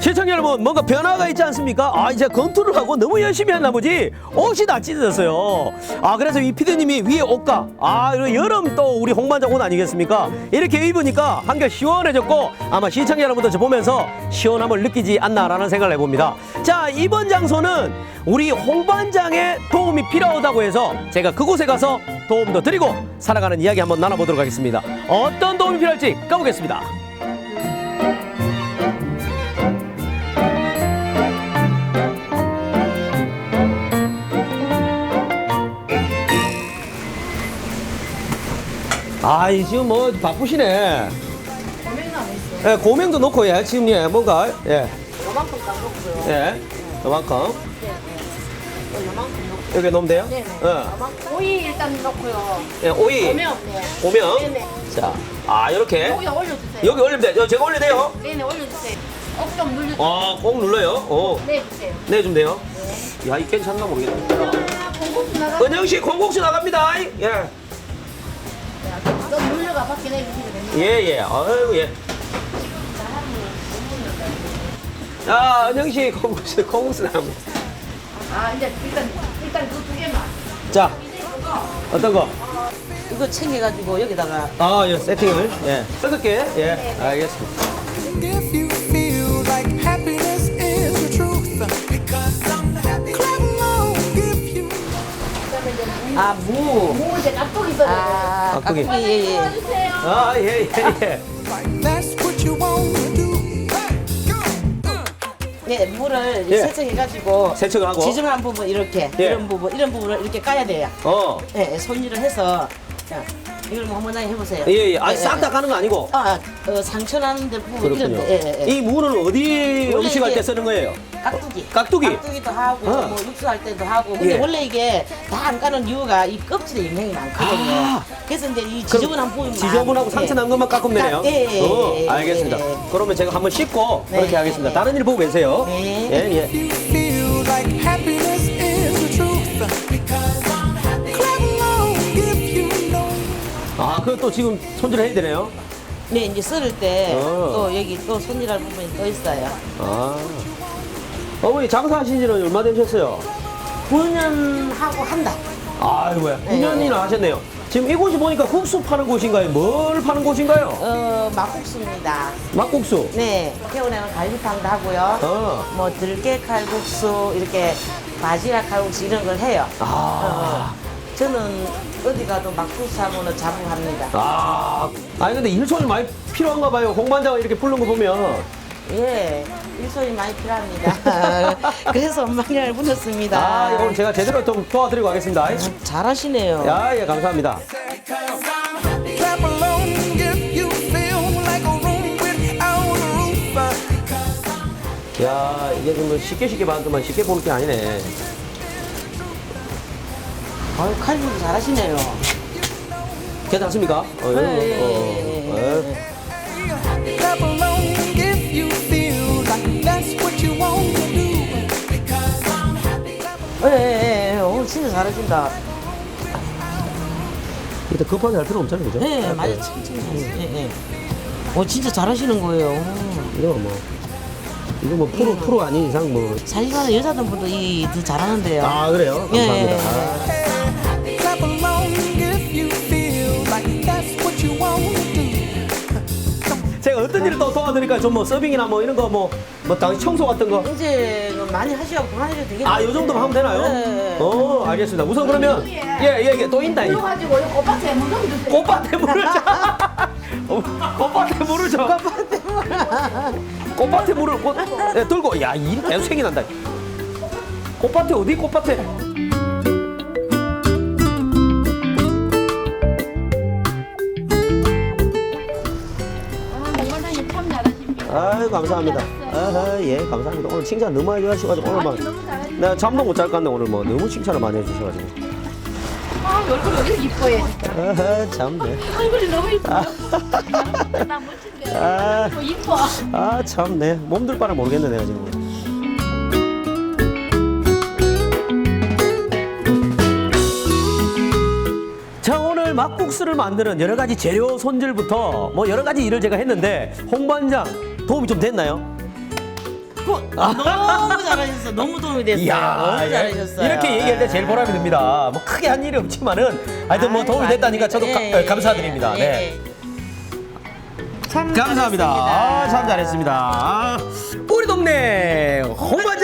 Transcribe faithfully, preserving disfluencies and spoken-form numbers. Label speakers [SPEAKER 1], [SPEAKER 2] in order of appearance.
[SPEAKER 1] 시청자 여러분, 뭔가 변화가 있지 않습니까? 아, 이제 검투를 하고 너무 열심히 한 나머지 옷이 다 찢어졌어요. 아, 그래서 이 피디님이 위에 옷가, 아, 이거 여름 또 우리 홍반장 옷 아니겠습니까? 이렇게 입으니까 한결 시원해졌고 아마 시청자 여러분도 저 보면서 시원함을 느끼지 않나라는 생각을 해봅니다. 자, 이번 장소는 우리 홍반장의 도움이 필요하다고 해서 제가 그곳에 가서 도움도 드리고 살아가는 이야기 한번 나눠보도록 하겠습니다. 어떤 도움이 필요할지 가보겠습니다. 아, 이 지금 뭐 바쁘시네.
[SPEAKER 2] 고명도 안 했어요.
[SPEAKER 1] 예, 고명도 놓고 예, 지금 예, 뭔가 예,
[SPEAKER 2] 요만큼 까먹고요.
[SPEAKER 1] 예, 요만큼
[SPEAKER 2] 네, 네. 요만큼 넣고.
[SPEAKER 1] 여기 놓으면 돼요.
[SPEAKER 2] 네네.
[SPEAKER 1] 예,
[SPEAKER 2] 요만큼. 오이 일단 넣고요.
[SPEAKER 1] 예, 오이,
[SPEAKER 2] 고명. 네.
[SPEAKER 1] 고명.
[SPEAKER 2] 네네.
[SPEAKER 1] 자, 아 이렇게
[SPEAKER 2] 여기다 올려주세요.
[SPEAKER 1] 여기 올리면 돼. 요 제가 올려도 돼요.
[SPEAKER 2] 네네 올려주세요. 꼭 좀 눌러주세요.
[SPEAKER 1] 아, 꼭 눌러요. 어,
[SPEAKER 2] 내주세요.
[SPEAKER 1] 네, 좀 돼요.
[SPEAKER 2] 네.
[SPEAKER 1] 야, 이 괜찮나 모르겠네.
[SPEAKER 2] 아, 공국수 나가.
[SPEAKER 1] 은영 씨, 콩국수 나갑니다. 예,
[SPEAKER 2] 좀 눌러가 밖에 내주시면 됩니다.
[SPEAKER 1] 예, 예. 아유, 예. 자, 은영 씨, 콩국수, 콩국수 나갑니다.
[SPEAKER 2] 아 이제 일단 일단 그 두 개만.
[SPEAKER 1] 자, 어떤 거?
[SPEAKER 3] 이거 챙겨가지고 여기다가
[SPEAKER 1] 아, 예, 세팅을 예, 섞을게. 예, 알겠습니다.
[SPEAKER 4] If you feel like happiness is the truth, because I'm happy. Clap along if you.
[SPEAKER 2] 그다음에 이제 무.
[SPEAKER 3] 아 무.
[SPEAKER 2] 무 이제 깍두기 썰어야
[SPEAKER 3] 아
[SPEAKER 1] 깍두기.
[SPEAKER 3] 깍두기 예, 예.
[SPEAKER 2] 도와주세요.
[SPEAKER 1] 아, 예, 예, 예.
[SPEAKER 4] Like that's what you want to do. Hey, go.
[SPEAKER 3] 예, 무를
[SPEAKER 1] 예.
[SPEAKER 3] 세척해가지고
[SPEAKER 1] 세척을 하고.
[SPEAKER 3] 지저분한 부분 이렇게
[SPEAKER 1] 예.
[SPEAKER 3] 이런 부분 이런 부분을 이렇게 까야 돼요.
[SPEAKER 1] 어,
[SPEAKER 3] 예, 예, 손질을 해서 자, 이걸 뭐 한번 해보세요.
[SPEAKER 1] 예, 예. 아니, 싹 다 가는 거 아니고.
[SPEAKER 3] 아, 어, 상처나는 데 부분
[SPEAKER 1] 그렇군요.
[SPEAKER 3] 이런 데, 예, 예, 예.
[SPEAKER 1] 이 무는 어디
[SPEAKER 3] 원래
[SPEAKER 1] 음식할
[SPEAKER 3] 이게-
[SPEAKER 1] 때 쓰는 거예요?
[SPEAKER 3] 깍두기.
[SPEAKER 1] 깍두기?
[SPEAKER 3] 깍두기도 하고
[SPEAKER 1] 어.
[SPEAKER 3] 뭐 육수할 때도 하고. 근데
[SPEAKER 1] 예.
[SPEAKER 3] 원래 이게 다 안 까는 이유가 이 껍질에 영향이 많거든요.
[SPEAKER 1] 아.
[SPEAKER 3] 그래서 이제 이 지저분한 부분
[SPEAKER 1] 지저분하고 상처 난 것만 깎으면 되네요.
[SPEAKER 3] 예, 예,
[SPEAKER 1] 어,
[SPEAKER 3] 예, 예,
[SPEAKER 1] 알겠습니다.
[SPEAKER 3] 예.
[SPEAKER 1] 그러면 제가 한번 씻고
[SPEAKER 3] 네,
[SPEAKER 1] 그렇게 하겠습니다.
[SPEAKER 3] 네.
[SPEAKER 1] 다른 일 보고 계세요.
[SPEAKER 3] 네.
[SPEAKER 1] 예, 예.
[SPEAKER 4] If you feel like happiness is the truth, because I'm happy. Clap along if you know.
[SPEAKER 1] 아, 그거 또 지금 손질해야 되네요.
[SPEAKER 3] 네, 이제 썰을 때
[SPEAKER 1] 어.
[SPEAKER 3] 또 여기 또 손질할 부분이 또 있어요.
[SPEAKER 1] 아. 어머니 장사하신 지는 얼마 되셨어요?
[SPEAKER 3] 구 년 하고 한 달.
[SPEAKER 1] 아이고야. 구 년이나 하셨네요. 지금 이곳이 보니까 국수 파는 곳인가요? 뭘 파는 곳인가요?
[SPEAKER 3] 어, 막국수입니다.
[SPEAKER 1] 막국수.
[SPEAKER 3] 네, 겨울에는 갈비탕도 하고요.
[SPEAKER 1] 어.
[SPEAKER 3] 뭐 들깨 칼국수, 이렇게 바지락 칼국수 이런 걸 해요.
[SPEAKER 1] 아.
[SPEAKER 3] 어, 저는 어디 가도 막국수 하고는 자부합니다.
[SPEAKER 1] 아. 아니 근데 일손이 많이 필요한가 봐요. 홍반장을 이렇게 부른 거 보면.
[SPEAKER 3] 예, 일손이 많이 필요합니다. 그래서 엄마를 불렀습니다.
[SPEAKER 1] 아, 오늘 제가 제대로 좀 도와드리고 가겠습니다.
[SPEAKER 3] 잘하시네요.
[SPEAKER 1] 야, 예, 감사합니다.
[SPEAKER 4] Because I'm happy. Clap along if you feel like a room without a roof. Because I'm
[SPEAKER 1] 야, 이게 좀 쉽게 쉽게 만들면 쉽게 보는 게 아니네.
[SPEAKER 3] 아유, 칼국수 잘하시네요.
[SPEAKER 1] 괜찮습니까? 어, 이런 거.
[SPEAKER 3] 예, 예,
[SPEAKER 1] 어,
[SPEAKER 3] 예,
[SPEAKER 1] 예.
[SPEAKER 4] clap along if you feel like that's what you want to do. Because I'm happy.
[SPEAKER 3] 예, 예, 예. 오, 진짜 잘하신다.
[SPEAKER 1] 일단 급하게 할 필요 없잖아요, 그죠?
[SPEAKER 3] 네, 맞아, 천천히 하세요. 예, 예. 오, 진짜 잘하시는 거예요. 오.
[SPEAKER 1] 이거 뭐, 이거 뭐 프로, 프로 아닌 이상 뭐.
[SPEAKER 3] 자기가 여자들보다 이 더 잘하는데요.
[SPEAKER 1] 아, 그래요?
[SPEAKER 3] 예,
[SPEAKER 1] 감사합니다.
[SPEAKER 3] 예,
[SPEAKER 1] 아.
[SPEAKER 4] Clap along if you feel like that's what you want to do.
[SPEAKER 1] 제가 어떤 일을 또 도와드릴까요? 좀 뭐 서빙이나 뭐 이런 거 뭐, 뭐 당시 청소 같은 거.
[SPEAKER 3] 이제 많이 하시고 그만해도 되겠네요.
[SPEAKER 1] 아, 요 정도만 하면 되나요?
[SPEAKER 3] 네.
[SPEAKER 1] 어, 알겠습니다. 우선 그러면, 예, 예, 예, 또 있다. 이
[SPEAKER 2] 그래가지고 이 꽃밭에 물좀 주세요.
[SPEAKER 1] 꽃밭에 물을 줘. 어, 꽃밭에 물을 줘. 꽃밭에 물을. 꽃밭에 물을 꽃, 예, 들고, 야, 이 계속 생이 난다. 꽃밭에 어디 꽃밭에?
[SPEAKER 2] 아, 공관장님 참 잘하십니다.
[SPEAKER 1] 아유, 감사합니다. 아, 예, 감사합니다. 오늘 칭찬 너무 많이 해주셔가지고 오늘 막
[SPEAKER 2] 아니, 너무 잘하십니다.
[SPEAKER 1] 내가 잠도 못 잘 건데 오늘 뭐 너무 칭찬을 많이 해주셔가지고.
[SPEAKER 2] 아, 얼굴이 왜 이렇게 이뻐해.
[SPEAKER 1] 아하, 참네.
[SPEAKER 2] 얼굴이 너무 이뻐. 나 멋진데.
[SPEAKER 1] 아.
[SPEAKER 2] 또 이뻐.
[SPEAKER 1] 아, 참네. 몸둘 바를 모르겠네, 내가 지금. 자, 오늘 막국수를 만드는 여러 가지 재료 손질부터 뭐 여러 가지 일을 제가 했는데 홍반장 도움이 좀 됐나요?
[SPEAKER 3] 그, 너무 잘하셨어. 너무 도움이 됐어요.
[SPEAKER 1] 이야,
[SPEAKER 3] 너무 잘하셨어요.
[SPEAKER 1] 이렇게 얘기할 때 제일 보람이 듭니다. 뭐 크게 한 일이 없지만은 하여튼 뭐
[SPEAKER 3] 아이고,
[SPEAKER 1] 도움이 됐다니까 저도
[SPEAKER 3] 아닙니다.
[SPEAKER 1] 가-
[SPEAKER 3] 예,
[SPEAKER 1] 감사드립니다.
[SPEAKER 3] 예,
[SPEAKER 1] 네.
[SPEAKER 3] 예. 참
[SPEAKER 1] 감사합니다.
[SPEAKER 3] 잘했습니다.
[SPEAKER 1] 아, 참 잘했습니다. 아, 우리 동네 홍만